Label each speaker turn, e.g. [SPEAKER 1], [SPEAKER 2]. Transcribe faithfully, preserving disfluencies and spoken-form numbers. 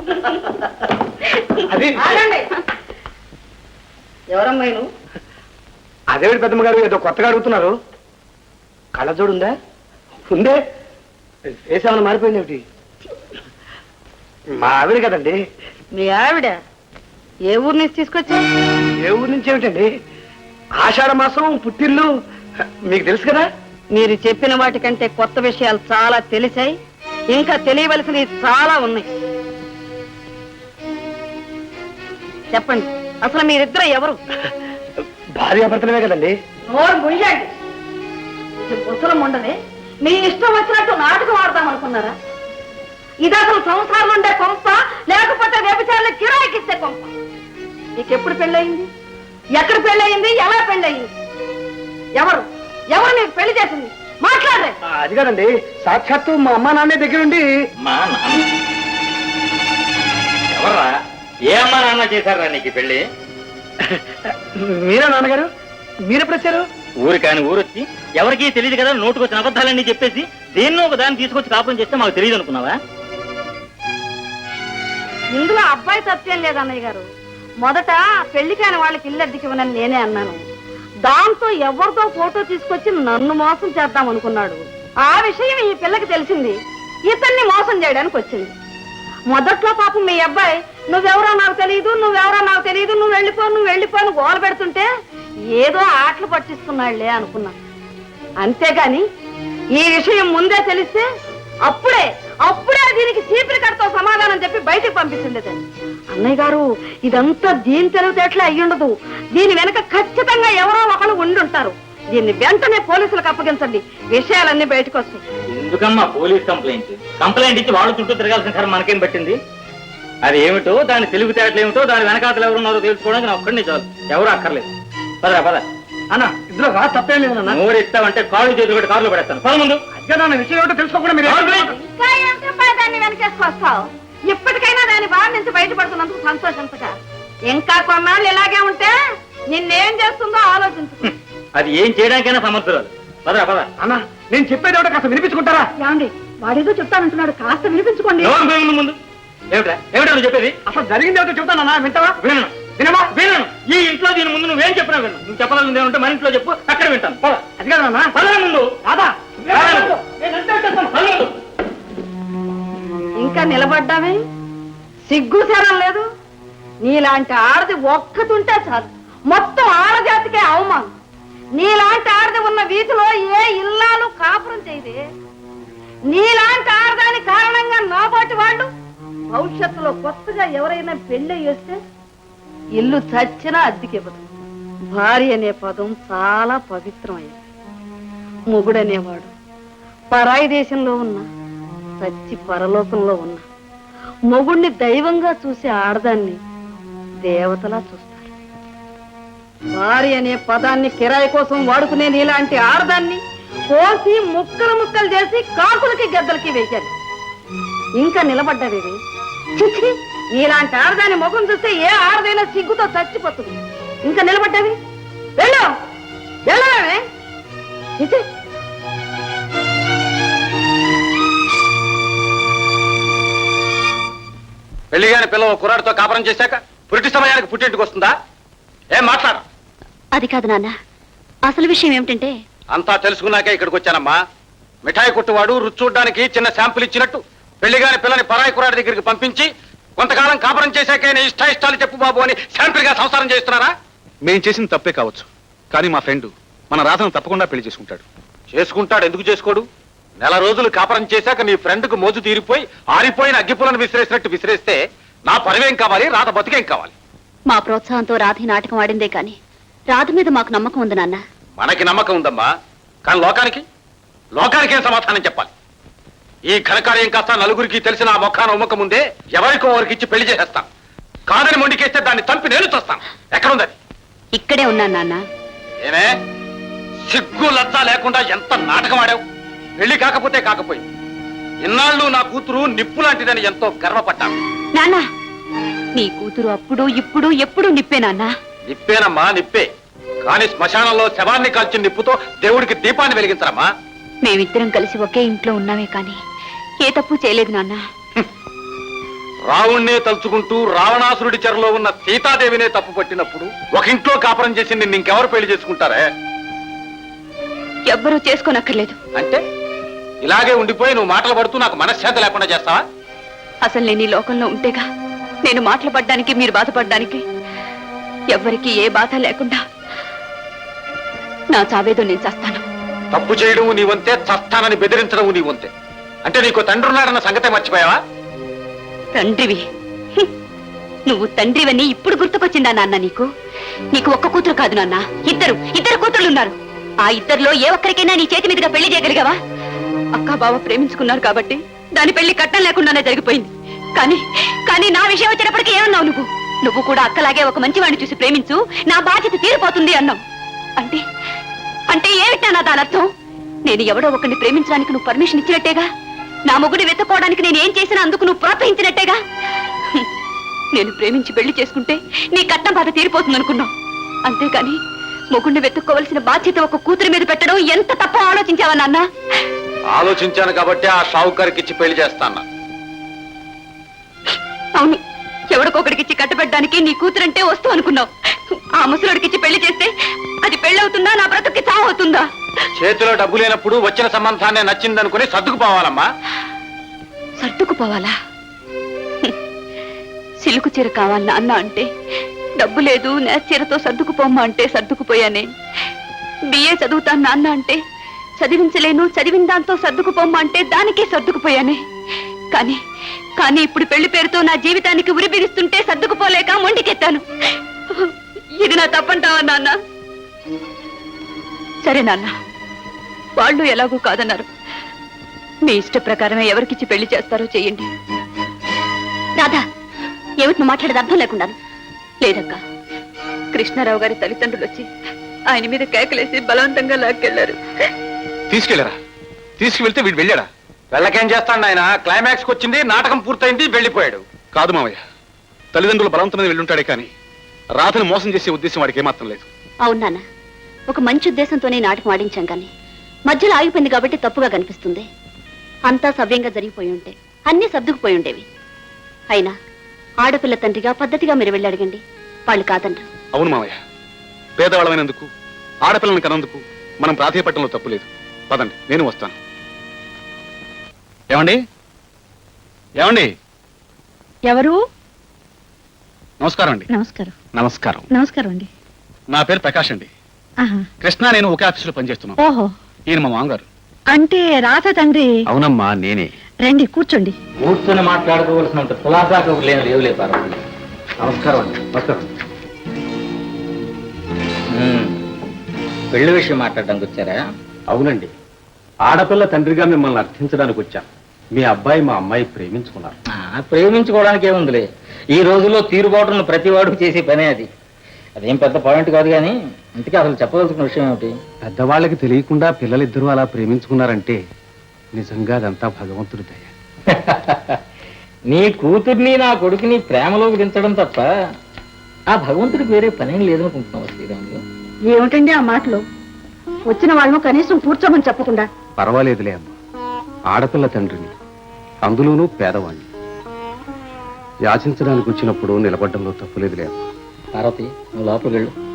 [SPEAKER 1] అది
[SPEAKER 2] ఎవరమ్మా నువ్వు?
[SPEAKER 1] అదేవిడి పెద్దమ్మ గారు ఏదో కొత్తగా అడుగుతున్నారు. కళ్ళజోడు ఉందా? ఉందే. వేసేమన్నా మారిపోయింది ఏమిటి? మా ఆవిడ కదండి.
[SPEAKER 2] మీ ఆవిడ ఏ ఊరు నుంచి తీసుకొచ్చా?
[SPEAKER 1] ఏ ఊరు నుంచి ఏమిటండి? ఆషాఢ మాసం పుట్టిల్లు మీకు తెలుసు కదా.
[SPEAKER 2] మీరు చెప్పిన వాటికంటే కొత్త విషయాలు చాలా తెలిసాయి, ఇంకా తెలియవలసినవి చాలా ఉన్నాయి. చెప్పండి, అసలు మీరిద్దరు ఎవరు?
[SPEAKER 1] భార్యాభర్తలమే కదండి.
[SPEAKER 2] నోరు ముయ్యండి. ఇది ముసలం ఉండదే, మీ ఇష్టం వచ్చినట్టు నాటకం ఆడదాం అనుకున్నారా? ఇది అసలు సంసారం ఉండే కొంప, లేకపోతే వ్యభిచారులు కిరాయికిస్తే కొంప. నీకెప్పుడు పెళ్ళయింది? ఎక్కడ పెళ్ళయింది? ఎలా పెళ్ళయింది? ఎవరు ఎవరు నీకు పెళ్లి చేసింది? మాట్లాడరే.
[SPEAKER 1] అది కాదండి, సాక్షాత్తు మా అమ్మా నాన్న దగ్గరుండి.
[SPEAKER 3] మా నాన్న ఎవర్రా? ఏ అమ్మా నాన్న చేశారా నీకు పెళ్లి?
[SPEAKER 1] మీరా నాన్నగారు? మీరెప్పుడు వచ్చారు?
[SPEAKER 3] ఊరు కాని ఊరొచ్చి ఎవరికీ తెలియదు కదా, నోటుకొచ్చిన అబద్ధాలన్నీ చెప్పేసి దేన్నో ఒక దాన్ని తీసుకొచ్చి కాపురం చేస్తే మాకు తెలియదు అనుకున్నావా?
[SPEAKER 2] ఇందులో అబ్బాయి తప్పేం లేదన్నయ్య గారు. మొదట పెళ్లి కాని వాళ్ళకి ఇల్లు అద్దెకి ఇవ్వనని నేనే అన్నాను. దాంతో ఎవరితో ఫోటో తీసుకొచ్చి నన్ను మోసం చేద్దాం అనుకున్నాడు. ఆ విషయం ఈ పిల్లకి తెలిసింది, ఇతన్ని మోసం చేయడానికి వచ్చింది. మొదట్లో పాపం మీ అబ్బాయి నువ్వెవరో నాకు తెలియదు, నువ్వెవరో నాకు తెలియదు, నువ్వు వెళ్ళిపో నువ్వు వెళ్ళిపోను గోల పెడుతుంటే ఏదో ఆటలు పట్టిస్తున్నాళ్లే అనుకున్నా. అంతేగాని ఈ విషయం ముందే తెలిస్తే అప్పుడే అప్పుడే దీనికి చీపిరి కడతో సమాధానం చెప్పి బయటికి పంపిస్తుండేదాన్ని. అన్నయ్య గారు, ఇదంతా దీని తెలివితేటలే అయ్యుండదు. దీని వెనక ఖచ్చితంగా ఎవరో ఒకళ్ళు ఉండుంటారు. దీన్ని వెంటనే పోలీసులకు అప్పగించండి, విషయాలన్నీ బయటకు వస్తాయి.
[SPEAKER 3] ఎందుకమ్మా పోలీస్ కంప్లైంట్? కంప్లైంట్ ఇచ్చి వాళ్ళు చుట్టూ తిరగాల్సిన సార్ మనకేం పట్టింది? అది ఏమిటో, దాని తెలివితేటలు ఏమిటో, దాని వెనకాతలు ఎవరున్నారో తెలుసుకోవడానికి నా ఒక్కడిని చాలు, ఎవరు అక్కర్లేదు. పదరా పద.
[SPEAKER 1] అన్న ఇందులో రా తప్పేం లేదు అన్న.
[SPEAKER 3] నోరు ఇస్తావంటే కాళ్ళు చేతులు పెట్టి కారులో పడేస్తాను. పద ముందు.
[SPEAKER 1] అదే నాన్న విషయం ఏమిటో తెలుసుకోకుండా మీరు
[SPEAKER 2] ఇంకా ఏంటబ్బా దాన్ని వెనకేసుకొస్తావు? ఇప్పటికైనా దాని బాధ నుంచి బయటపడుతున్నందుకు సంతోషించగా. ఇంకా కొన్నాళ్ళు ఇలాగే ఉంటే నిన్నేం చేస్తుందో ఆలోచించు.
[SPEAKER 3] అది ఏం చేయడానికైనా సమర్థురాలు. పదరా పద.
[SPEAKER 1] అన్న నేను చెప్పేది ఏమిటో కాస్త వినిపించుకుంటారా?
[SPEAKER 2] ఏమండి, వాడేదో చెప్తానంటున్నాడు, కాస్త వినిపించుకోండి.
[SPEAKER 3] ముందు ఏమిటా ఏమిటా నువ్వు చెప్పేది?
[SPEAKER 1] అసలు జరిగింది ఏమిటో చెప్తానన్నా, వింటావా?
[SPEAKER 3] వినను వినమా వినను. ఈ ఇంట్లో దీని ముందు నువ్వేం చెప్పినా విను. నువ్వు చెప్పాలని ఏమంటే మన ఇంట్లో చెప్పు, అక్కడ వింటాను. పద.
[SPEAKER 1] అది కాదన్నా,
[SPEAKER 3] పదరా ముందు.
[SPEAKER 1] రాదా
[SPEAKER 2] ఇంకా నిలబడ్డామే, సిగ్గు శరం లేదు. నీలాంటి ఆడది ఒక్కతుంటే చాలు, మొత్తం ఆడజాతికే అవమానం. నీలాంటి ఆడది ఉన్న వీధిలో ఏ ఇల్లాలు కాపురం చేయదే. నీలాంటి ఆడదాని కారణంగా నాబోటి వాళ్ళు భవిష్యత్తులో కొత్తగా ఎవరైనా పెళ్లి చేస్తే ఇల్లు చచ్చినా అద్దెకివ్వదు. భార్య అనే పదం చాలా పవిత్రమైనది. మొగుడనేవాడు పరాయి దేశంలో ఉన్న, చచ్చి పరలోకంలో ఉన్న మొగుణ్ణి దైవంగా చూసే ఆడదాన్ని దేవతలా చూస్తారు. భార్య అనే పదాన్ని కిరాయి కోసం వాడుకునే నీలాంటి ఆడదాన్ని కోసి ముక్కలు ముక్కలు చేసి కాకులకి గద్దలకి వేశారు. ఇంకా నిలబడ్డావేవి? చిచ్చి, నీలాంటి ఆడదాన్ని ముఖం చూస్తే ఏ ఆడదైనా సిగ్గుతో చచ్చిపోతుంది. ఇంకా నిలబడ్డావి? వెళ్ళు వెళ్ళవే. చిచ్చి,
[SPEAKER 4] పెళ్లిగాని పిల్లలు కుర్రాడితో కాపురం చేశాక పురిటి సమయానికి పుట్టింటికి వస్తుందా? ఏం మాట్లాడ?
[SPEAKER 5] అది కాదు నాన్న, అసలు విషయం ఏమిటంటే
[SPEAKER 4] అంతా తెలుసుకున్నాకే ఇక్కడికి వచ్చానమ్మా. మిఠాయి కొట్టువాడు రుచి చూడ్డానికి చిన్న శాంపుల్ ఇచ్చినట్టు పెళ్లిగాని పిల్లని పరాయి కుర్రాడి దగ్గరికి పంపించి కొంతకాలం కాపురం చేశాకే ఇష్ట ఇష్టాలు చెప్పు బాబు అని శాంపుల్ గా సంసారం చేస్తున్నారా?
[SPEAKER 6] మేం చేసిన తప్పే కావచ్చు, కానీ మా ఫ్రెండ్ మన రాధను తప్పకుండా పెళ్లి చేసుకుంటాడు.
[SPEAKER 4] చేసుకుంటాడు, ఎందుకు చేసుకోడు? నెల రోజులు కాపురం చేశాక నీ ఫ్రెండ్ కు మోజు తీరిపోయి ఆరిపోయిన అగ్గిపులను విసిరేసినట్టు విసిరేస్తే నా పరివేం కావాలి, రాధ బతికేం కావాలి?
[SPEAKER 5] మా ప్రోత్సాహంతో రాధి నాటకం ఆడిందే కాని రాధ మీద మాకు నమ్మకం ఉంది నాన్న.
[SPEAKER 4] మనకి నమ్మకం ఉందమ్మా, కానీ లోకానికి లోకానికి ఏం సమాధానం చెప్పాలి? ఈ ఘనకార్యం కాస్త నలుగురికి తెలిసిన ఆ మొఖాన ఉమ్మకం ముందే ఎవరికో వారికి ఇచ్చి పెళ్లి చేసేస్తాం. కాదని మొండికేస్తే దాన్ని చంపి నేను చూస్తాను. ఎక్కడుంది?
[SPEAKER 5] ఇక్కడే ఉన్నాను నాన్న.
[SPEAKER 4] ఏమే సిగ్గు లజ్జ లేకుండా ఎంత నాటకం ఆడావు! పెళ్లి కాకపోతే కాకపోయింది, ఇన్నాళ్ళు నా కూతురు నిప్పు లాంటిదని ఎంతో గర్వపడ్డాను.
[SPEAKER 5] నాన్న, నీ కూతురు అప్పుడు ఇప్పుడు ఎప్పుడు నిప్పే నాన్న.
[SPEAKER 4] నిప్పేనమ్మా, నిప్పే. కానీ శ్మశానంలో శవాన్ని కాల్చిన నిప్పుతో దేవుడికి దీపాన్ని వెలిగించరమ్మా.
[SPEAKER 5] మేమిద్దరం కలిసి ఒకే ఇంట్లో ఉన్నామే కానీ ఏ తప్పు చేయలేదు నాన్న.
[SPEAKER 4] రావుణ్ణే తలుచుకుంటూ రావణాసురుడి చెరలో ఉన్న సీతాదేవినే తప్పు పట్టినప్పుడు ఒక ఇంట్లో కాపురం చేసి నిన్ను ఇంకెవరు పెళ్లి చేసుకుంటారే?
[SPEAKER 5] ఎవ్వరూ చేసుకోనక్కర్లేదు.
[SPEAKER 4] అంటే ఇలాగే ఉండిపోయి నువ్వు మాటలు పడుతూ నాకు మనశ్శాంతి లేకుండా చేస్తావా?
[SPEAKER 5] అసలు నేను ఈ లోకంలో ఉంటేగా నేను మాటలు పడ్డానికి మీరు బాధపడ్డానికి. ఎవ్వరికి ఏ బాధ లేకుండా నా చావేదో నేను చేస్తాను.
[SPEAKER 4] తప్పు చేయడం నీ వంతే, చస్తానని బెదిరించడం నీ వంతే. అంటే నీకు తండ్రి ఉన్నాడన్న సంగతే మర్చిపోయావా?
[SPEAKER 5] తండ్రివి హ్మ్. నువ్వు తండ్రివని ఇప్పుడు గుర్తుకొచ్చిందా నాన్న నీకు? నీకు ఒక్క కూతురు కాదు నాన్న, ఇద్దరు ఇద్దరు కూతుర్లు ఉన్నారు. ఆ ఇద్దరిలో ఏ ఒక్కరికైనా నీ చేతి మీదుగా పెళ్లి చేయగలిగావా? అక్క బావ ప్రేమించుకున్నారు కాబట్టి దాని పెళ్లి కట్టం లేకుండానే జరిగిపోయింది. కానీ కానీ నా విషయం వచ్చేటప్పటికి ఏమన్నావు నువ్వు? నువ్వు కూడా అక్కలాగే ఒక మంచివాడిని చూసి ప్రేమించు, నా బాధ్యత తీరిపోతుంది అన్నావు. అంటే అంటే ఏమిటా నా దాని అర్థం? నేను ఎవడో ఒకరిని ప్రేమించడానికి నువ్వు పర్మిషన్ ఇచ్చినట్టేగా. నా మొగుడిని వెతుక్కోవడానికి నేను ఏం చేసినా అందుకు నువ్వు ప్రోత్సహించినట్టేగా. హ్మ్. నేను ప్రేమించి పెళ్లి చేసుకుంటే నీ కట్నం బాధ తీరిపోతుంది అనుకున్నావు. అంతేకాని మొగుడిని వెతుక్కోవలసిన బాధ్యత ఒక కూతురి మీద పెట్టడం ఎంత తప్ప ఆలోచించావా నాన్న?
[SPEAKER 4] ఆలోచించాను కాబట్టి ఆ షావుకారికి ఇచ్చి పెళ్లి చేస్తాను.
[SPEAKER 5] అవును, ఎవడికొకడికిచ్చి కట్టబెట్టడానికి నీ కూతురంటే వస్తూ అనుకున్నావు. ఆ ముసలుడికిచ్చి పెళ్లి చేస్తే అది పెళ్ళవుతుందా, నా బ్రతుక్కి చావు అవుతుందా?
[SPEAKER 4] చేతిలో డబ్బు లేనప్పుడు వచ్చిన సంబంధాన్ని నచ్చిందనుకుని సర్దుకుపోవాలమ్మా.
[SPEAKER 5] సర్దుకుపోవాలా? హ్మ్. సిలుకు చీర కావాలి నాన్న అంటే డబ్బు లేదు, నేత చీరతో సర్దుకుపోమ్మా అంటే సర్దుకుపోయానే. బిఏ చదువుతాను నాన్న అంటే చదివించలేను, చదివిన దాంతో సర్దుకుపోమ్మా అంటే దానికే సర్దుకుపోయానే. కానీ కానీ ఇప్పుడు పెళ్లి పేరుతో నా జీవితానికి ఉరి బిగిస్తుంటే సర్దుకుపోలేక మొండికెత్తాను. ఇది నా తప్పంటావా నాన్న? సరే నాన్న, వాళ్ళు ఎలాగూ కాదన్నారు. మీ ఇష్ట ప్రకారమే ఎవరికిచ్చి పెళ్లి చేస్తారో చెయ్యండి. రాధా, ఏమిటి నువ్వు మాట్లాడేది అర్థం లేకుండాను? లేదక్క, కృష్ణారావు గారి తల్లిదండ్రులు వచ్చి ఆయన మీద కేకలేసి బలవంతంగా లాక్కెళ్లారు.
[SPEAKER 6] తీసుకెళ్ళారా? తీసుకువెళ్తే వీడు వెళ్ళాడా?
[SPEAKER 4] వెళ్ళకేం చేస్తాడు ఆయన? క్లైమాక్స్ వచ్చింది, నాటకం పూర్తయింది, వెళ్ళిపోయాడు.
[SPEAKER 6] కాదు మావయ్య, తల్లిదండ్రులు బలవంతం మీద వెళ్ళుంటాడే కానీ రాధను మోసం చేసే ఉద్దేశం వాడికి ఏమాత్రం లేదు.
[SPEAKER 5] అవును నాన్న, ఒక మంచి ఉద్దేశంతోనే నాటకం ఆడించాం కానీ మధ్యలో ఆగిపోయింది కాబట్టి తప్పుగా కనిపిస్తుంది. అంతా సవ్యంగా జరిగిపోయి ఉంటే అన్నీ సర్దుకుపోయి ఉండేవి. అయినా ఆడపిల్ల తండ్రిగా పద్ధతిగా మీరు వెళ్ళి అడగండి, వాళ్ళు కాదంటారు.
[SPEAKER 6] అవును మావయ్య, పేదవాళ్ళమైనందుకు ఆడపిల్లని కనందుకు మనం ప్రాధాయపట్టడంలో తప్పు లేదు. పదండి, నేను వస్తాను. ఏమండి ఏమండి
[SPEAKER 2] ఎవరు?
[SPEAKER 6] నమస్కారం అండి.
[SPEAKER 2] నమస్కారం.
[SPEAKER 6] నమస్కారం.
[SPEAKER 2] నమస్కారం అండి.
[SPEAKER 6] నా పేరు ప్రకాష్ అండి. కృష్ణ నేను ఒకే ఆఫీసులో పనిచేస్తున్నాం.
[SPEAKER 2] ఓహో,
[SPEAKER 6] ఈయన మా మామగారు.
[SPEAKER 2] అంటే రాధ తండ్రి?
[SPEAKER 6] అవునమ్మా, నేనే.
[SPEAKER 2] రండి కూర్చోండి.
[SPEAKER 3] కూర్చొని మాట్లాడుకోవాల్సినంత కులాసా లేని లేవులే పార్వతి.
[SPEAKER 1] నమస్కారం అండి. నమస్కారం.
[SPEAKER 3] ఉమ్. పెళ్లి విషయం మాట్లాడడానికి వచ్చారా?
[SPEAKER 1] అవునండి, ఆడపిల్ల తండ్రిగా మిమ్మల్ని అర్థించడానికి వచ్చాను. మీ అబ్బాయి మా అమ్మాయి ప్రేమించుకున్నారు.
[SPEAKER 3] ఆ, ప్రేమించుకోవడానికి ఏముందిలే. ఈ రోజుల్లో తీరుబాటును ప్రతివాడు చేసే పనే అది. అదేం పెద్ద పాయింట్ కాదు కానీ ఇంతకీ అసలు చెప్పదలుచుకున్న విషయం ఏమిటి?
[SPEAKER 1] పెద్దవాళ్ళకి తెలియకుండా పిల్లలిద్దరూ అలా ప్రేమించుకున్నారంటే నిజంగా అదంతా భగవంతుడి దయ.
[SPEAKER 3] నీ కూతుర్ని నా కొడుకుని ప్రేమలోకి దించడం తప్ప ఆ భగవంతుడికి వేరే పనేం లేదనుకుంటున్నావు శ్రీరాములు.
[SPEAKER 2] ఏమిటండి ఆ మాటలు? వచ్చిన వాళ్ళను కనీసం కూర్చోమని చెప్పకుండా.
[SPEAKER 1] పర్వాలేదులే అమ్మ, ఆడపిల్ల తండ్రిని, అందులోనూ పేదవాణ్ణి. యాచించడానికి వచ్చినప్పుడు నిలబడ్డంలో తప్పులేదులే అమ్మ.
[SPEAKER 3] పార్వతి, నువ్వు లోపలికి వెళ్ళు.